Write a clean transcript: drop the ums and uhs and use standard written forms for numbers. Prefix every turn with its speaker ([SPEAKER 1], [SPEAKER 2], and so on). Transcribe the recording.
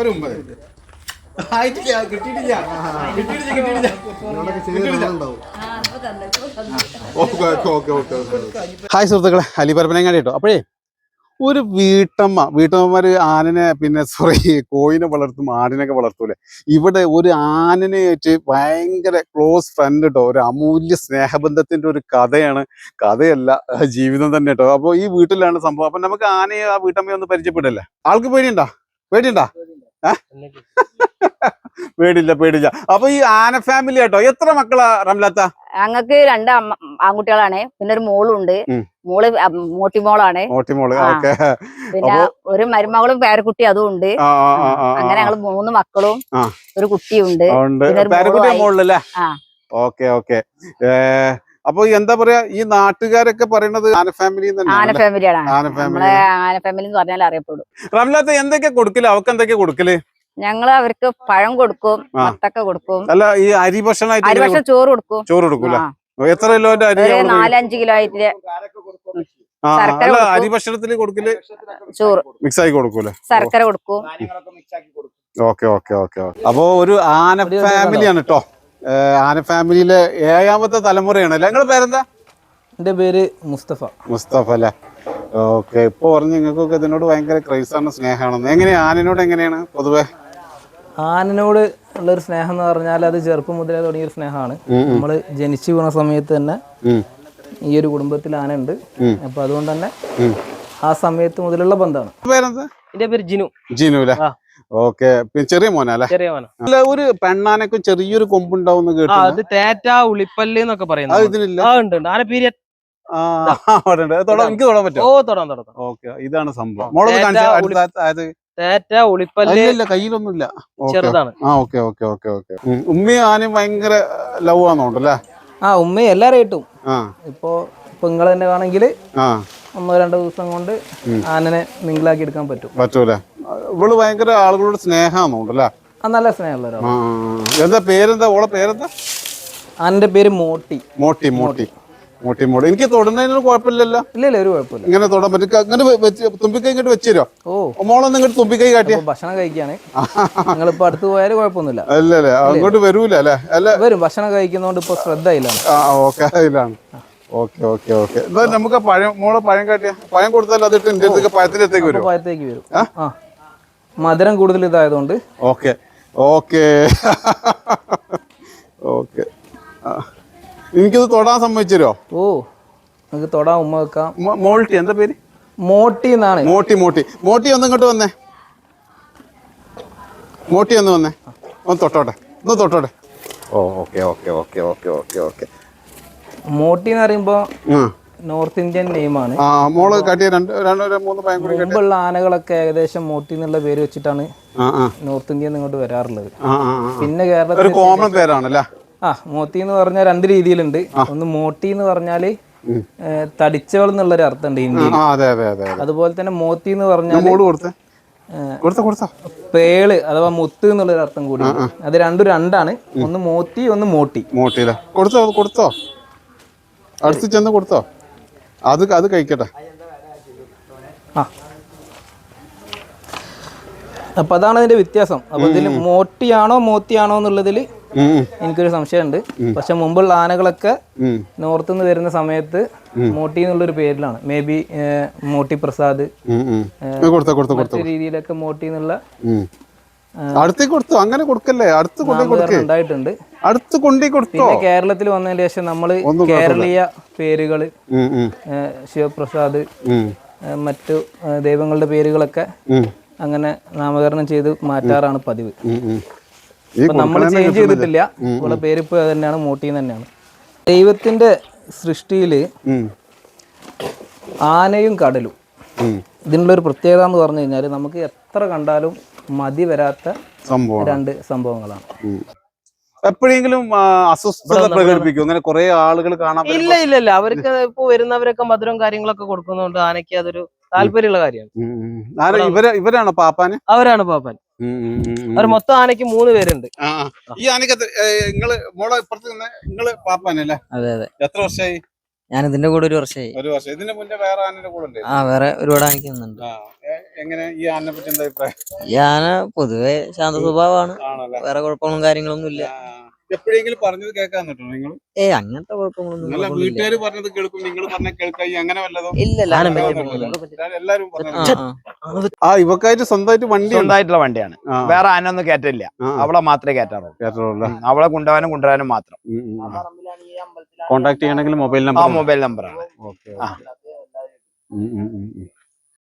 [SPEAKER 1] Hi സുഹൃത്തുക്കളെ, അലിപരപ്പനങ്ങാടി കേട്ടോ. അപ്പോഴേ ഒരു വീട്ടമ്മമാര് ആനനെ കോയിനെ വളർത്തും, ആടിനൊക്കെ വളർത്തൂലെ. ഇവിടെ ഒരു ആനനെ വെച്ച് ഭയങ്കര ക്ലോസ് ഫ്രണ്ട് കേട്ടോ. ഒരു അമൂല്യ സ്നേഹബന്ധത്തിന്റെ ഒരു കഥയല്ല, ജീവിതം തന്നെ കേട്ടോ. അപ്പൊ ഈ വീട്ടിലാണ് സംഭവം. അപ്പൊ നമുക്ക് ആനയെ ആ വീട്ടമ്മയെ ഒന്ന് പരിചയപ്പെടല്ലേ. ആൾക്ക് പേടിയുണ്ടാ? പേടില്ല. അപ്പൊ ഈ ആന ഫാമിലി കേട്ടോ. എത്ര മക്കളാ റംലാത്ത?
[SPEAKER 2] ഞങ്ങൾക്ക് 2 ആൺകുട്ടികളാണ്, പിന്നെ ഒരു മോളുണ്ട്. മോള് മോട്ടിമോളാണ്. പിന്നെ ഒരു മരുമകളും പേരക്കുട്ടി അതും ഉണ്ട്. അങ്ങനെ ഞങ്ങള് 3 മക്കളും ഒരു കുട്ടിയുണ്ട്.
[SPEAKER 1] അപ്പൊ എന്താ പറയാ, ഈ നാട്ടുകാരൊക്കെ പറയണത് ആന ഫാമിലി
[SPEAKER 2] ആന ഫാമിലിയാണ്. നമ്മളെ ആന ഫാമിലി എന്ന് പറഞ്ഞാൽ അറിയപ്പെടും.
[SPEAKER 1] റംലാത്ത എന്തൊക്കെ കൊടുക്കല്? അവർക്ക് എന്തൊക്കെ കൊടുക്കല്?
[SPEAKER 2] ഞങ്ങള് അവർക്ക് പഴം കൊടുക്കും, മത്തക്ക കൊടുക്കും.
[SPEAKER 1] അല്ല, ഈ അരി ഭക്ഷണം
[SPEAKER 2] ചോറ് കൊടുക്കും.
[SPEAKER 1] എത്ര കിലോന്റെ അരി?
[SPEAKER 2] 4-5 കിലോ ആയിട്ട്.
[SPEAKER 1] അരി ഭക്ഷണത്തിന് കൊടുക്കല്
[SPEAKER 2] ചോറ്
[SPEAKER 1] മിക്സ് ആക്കി കൊടുക്കൂലെ?
[SPEAKER 2] ശർക്കര കൊടുക്കും.
[SPEAKER 1] ഓക്കെ. അപ്പൊ ഒരു ആന ഫാമിലിയാണ് കേട്ടോ. ആന ഫാമിലിയിലെ 7ാമത്തെ തലമുറയാണ്. നിങ്ങളുടെ പേരെന്താ?
[SPEAKER 3] എന്റെ പേര് മുസ്തഫ
[SPEAKER 1] അല്ലേ? ഓക്കെ. ഇപ്പൊ പറഞ്ഞു നിങ്ങൾക്കൊക്കെ ഇതിനോട് ഭയങ്കര ക്രൈസാണ്, സ്നേഹമാണെന്ന്. എങ്ങനെയാ ആനയോട് എങ്ങനെയാണ് പൊതുവെ?
[SPEAKER 3] ആനനോട് ഉള്ളൊരു സ്നേഹം എന്ന് പറഞ്ഞാൽ അത് ചെറുപ്പം മുതലേ തുടങ്ങിയൊരു സ്നേഹമാണ്. നമ്മള് ജനിച്ചു വീണ സമയത്ത് തന്നെ ഈ ഒരു കുടുംബത്തിൽ ആന ഉണ്ട്. അപ്പൊ അതുകൊണ്ട് തന്നെ ആ സമയത്ത് മുതലുള്ള ബന്ധമാണ്.
[SPEAKER 4] എന്റെ പേര്
[SPEAKER 3] ജിനു
[SPEAKER 1] അല്ലേ? ഓക്കെ. ചെറിയ മോനല്ലേ? അല്ല, ഒരു പെണ്ണാനൊക്കെ ചെറിയൊരു കൊമ്പുണ്ടാവും കേട്ടോ.
[SPEAKER 4] അത് തേറ്റ ഉളിപ്പല്ല് എന്നൊക്കെ പറയുന്നത്.
[SPEAKER 1] എനിക്ക് തൊടാൻ പറ്റും. ഓക്കെ, ഇതാണ് സംഭവം. കയ്യിലൊന്നുമില്ല.
[SPEAKER 4] ചെറുതാണ്.
[SPEAKER 1] ഉമ്മയും ആനയും ഭയങ്കര ലവ് ആണോണ്ടല്ലേ?
[SPEAKER 3] ഉമ്മയും എല്ലാരെയും ഇപ്പൊ നിങ്ങള് തന്നെ ആണെങ്കിൽ 1-2 ദിവസം കൊണ്ട് ആനനെ നിങ്ങളാക്കി എടുക്കാൻ പറ്റൂല.
[SPEAKER 1] ഇവള് ഭയങ്കര ആളുകളോട് സ്നേഹമാണോണ്ടല്ലേ?
[SPEAKER 3] നല്ല സ്നേഹമുള്ള ഒരാളാണ്.
[SPEAKER 1] എന്താ പേരെന്താ? ഓളെ പേരെന്താ?
[SPEAKER 3] ആനന്റെ പേര് മോട്ടി.
[SPEAKER 1] എനിക്ക് തൊടുന്നതിനൊരു കുഴപ്പമില്ലല്ലോ?
[SPEAKER 3] ഇല്ല, ഒരു കുഴപ്പമില്ല.
[SPEAKER 1] ഇങ്ങനെ തൊടാൻ പറ്റും. അങ്ങനെ തുമ്പിക്കൈ ഇങ്ങോട്ട് വെച്ചോ. മോളൊന്നും ഇങ്ങോട്ട് തുമ്പിക്കൈ കാട്ടിയ
[SPEAKER 3] ഭക്ഷണം കഴിക്കാണ്. നിങ്ങളിപ്പോ അടുത്ത് പോയാല് കുഴപ്പമൊന്നുമില്ല.
[SPEAKER 1] അല്ലല്ലേ? അങ്ങോട്ട് വരൂല അല്ലേ?
[SPEAKER 3] വരും. ഭക്ഷണം കഴിക്കുന്നോണ്ട് ഇപ്പൊ ശ്രദ്ധ ഇല്ലാണ്.
[SPEAKER 1] ഓക്കെ. എന്താ നമുക്ക് മോളെ പഴം കാട്ടിയ പഴം കൊടുത്താൽ അതിട്ട് എന്റെ അടുത്തേക്ക് പഴത്തിലേക്ക് വരും.
[SPEAKER 3] മധുരം കൂടുതൽ ഇതായതുകൊണ്ട്.
[SPEAKER 1] ഓക്കെ. എനിക്കിത് തൊടാൻ സമ്മതിച്ചോ?
[SPEAKER 3] നമുക്ക് തൊടാൻ ഉമ്മ വെക്കാം.
[SPEAKER 1] മോൾട്ടി എന്താ പേര്?
[SPEAKER 3] മോട്ടി എന്നാണ്.
[SPEAKER 1] മോട്ടി ഒന്ന് ഇങ്ങോട്ട് വന്നേ. ഒന്ന് തൊട്ടോട്ടെ. ഓക്കെ.
[SPEAKER 3] മോട്ടി എന്ന് പറയുമ്പോ നോർത്ത് ഇന്ത്യൻ നെയിമാണ്.
[SPEAKER 1] മോള് കാട്ടിയ 2-3 പഴം കൂടി.
[SPEAKER 3] മുമ്പുള്ള ആനകളൊക്കെ ഏകദേശം മോട്ടി എന്നുള്ള പേര് വെച്ചിട്ടാണ് നോർത്ത് ഇന്ത്യയിൽ നിന്ന് ഇങ്ങോട്ട് വരാറുള്ളത്. പിന്നെ കേരളത്തിൽ
[SPEAKER 1] കോമൺ പേരാണല്ലേ?
[SPEAKER 3] മോത്തി എന്ന് പറഞ്ഞാൽ 2 രീതിയിലുണ്ട്. ഒന്ന് മോട്ടി എന്ന് പറഞ്ഞാല് തടിച്ചവൾ എന്നുള്ളൊരു അർത്ഥമുണ്ട് ഇന്ത്യയിൽ. അതുപോലെ തന്നെ മോത്തി എന്ന് പറഞ്ഞാൽ പേള് അഥവാ മുത്ത് എന്നുള്ളൊരു അർത്ഥം കൂടി. അത് രണ്ടാണ്. ഒന്ന് മോത്തി, ഒന്ന് മോട്ടി.
[SPEAKER 1] കൊടുത്തോ അടുത്ത് ചെന്ന് കൊടുത്തോ. അത് കഴിക്കട്ടെ.
[SPEAKER 3] അപ്പൊ അതാണ് അതിന്റെ വ്യത്യാസം. അപ്പൊ ഇതിൽ മോട്ടിയാണോ മോത്തിയാണോ എന്നുള്ളതിൽ എനിക്കൊരു സംശയമുണ്ട്. പക്ഷെ മുമ്പുള്ള ആനകളൊക്കെ നോർത്ത് നിന്ന് വരുന്ന സമയത്ത് മോട്ടി എന്നുള്ളൊരു പേരിലാണ്. മേ ബി മോട്ടി പ്രസാദ് മറ്റു രീതിയിലൊക്കെ മോട്ടി എന്നുള്ള
[SPEAKER 1] അങ്ങനെ കൊടുക്കല്ലേ?
[SPEAKER 3] ഉണ്ടായിട്ടുണ്ട്.
[SPEAKER 1] പിന്നെ
[SPEAKER 3] കേരളത്തിൽ വന്നതിന് ശേഷം നമ്മള് കേരളീയ പേരുകള് ശിവപ്രസാദ് മറ്റു ദൈവങ്ങളുടെ പേരുകളൊക്കെ അങ്ങനെ നാമകരണം ചെയ്ത് മാറ്റാറാണ് പതിവ്. നമ്മൾ ചേഞ്ച് ചെയ്തിട്ടില്ല. ഇവിടെ പേരിപ്പോ തന്നെയാണ്, മോട്ടി തന്നെയാണ്. ദൈവത്തിന്റെ സൃഷ്ടിയില് ആനയും കടലും ഇതിനുള്ളൊരു പ്രത്യേകത എന്ന് പറഞ്ഞു കഴിഞ്ഞാല് നമുക്ക് എത്ര കണ്ടാലും മതി വരാത്ത 2 സംഭവങ്ങളാണ്.
[SPEAKER 1] എപ്പോഴെങ്കിലും അസ്വസ്ഥത പ്രകടിപ്പിക്കും അങ്ങനെ കുറെ ആളുകൾ കാണാൻ?
[SPEAKER 4] ഇല്ല. അവർക്ക് ഇപ്പൊ വരുന്നവരൊക്കെ മധുരം കാര്യങ്ങളൊക്കെ കൊടുക്കുന്നതുകൊണ്ട് ആനയ്ക്ക് അതൊരു താല്പര്യമുള്ള കാര്യമാണ്.
[SPEAKER 1] ഇവരാണോ പാപ്പാന്?
[SPEAKER 4] അവരാണ് പാപ്പാൻ. അവർ മൊത്തം ആനയ്ക്ക് 3 പേരുണ്ട്.
[SPEAKER 1] ഈ ആനയ്ക്ക് നിങ്ങള് പാപ്പാനല്ലേ?
[SPEAKER 4] അതെ.
[SPEAKER 1] എത്ര വർഷമായി?
[SPEAKER 5] ഞാൻ ഇതിന്റെ കൂടെ 1 വർഷമായി.
[SPEAKER 1] 1 വർഷം. ഇതിന് മുന്നേ വേറെ ആനയുടെ കൂടെ ഉണ്ട്?
[SPEAKER 5] വേറെ ഒരുപാട് ആനക്കുന്നുണ്ട്.
[SPEAKER 1] എങ്ങനെ ഈ ആനയെ പറ്റി എന്താ അഭിപ്രായം?
[SPEAKER 5] ഈ ആന പൊതുവെ ശാന്ത സ്വഭാവമാണ്,
[SPEAKER 1] ആണല്ലേ?
[SPEAKER 5] വേറെ കുഴപ്പങ്ങളും കാര്യങ്ങളൊന്നും ഇല്ല.
[SPEAKER 1] എപ്പോഴെങ്കിലും പറഞ്ഞത് കേൾക്കാൻ പറ്റുമോ നിങ്ങൾ?
[SPEAKER 5] അങ്ങനത്തെ കുഴപ്പങ്ങളൊന്നും
[SPEAKER 1] അല്ല, വീട്ടുകാർ പറഞ്ഞത് കേൾക്കും, നിങ്ങൾ പറഞ്ഞ കേൾക്കായി, അങ്ങനെ വല്ലതും?
[SPEAKER 5] ഇല്ല.
[SPEAKER 1] എല്ലാരും ഇവക്കായിട്ട് സ്വന്തമായിട്ട് വണ്ടി,
[SPEAKER 6] സ്വന്തമായിട്ടുള്ള വണ്ടിയാണ്. വേറെ ആനൊന്നും കയറ്റില്ല, അവളെ മാത്രമേ കയറ്റാറുള്ളൂ. അവളെ കൊണ്ടുപോകാനും മാത്രം.
[SPEAKER 1] കോണ്ടാക്ട് ചെയ്യണമെങ്കിൽ മൊബൈൽ നമ്പറാണ്.
[SPEAKER 6] ഓക്കെ.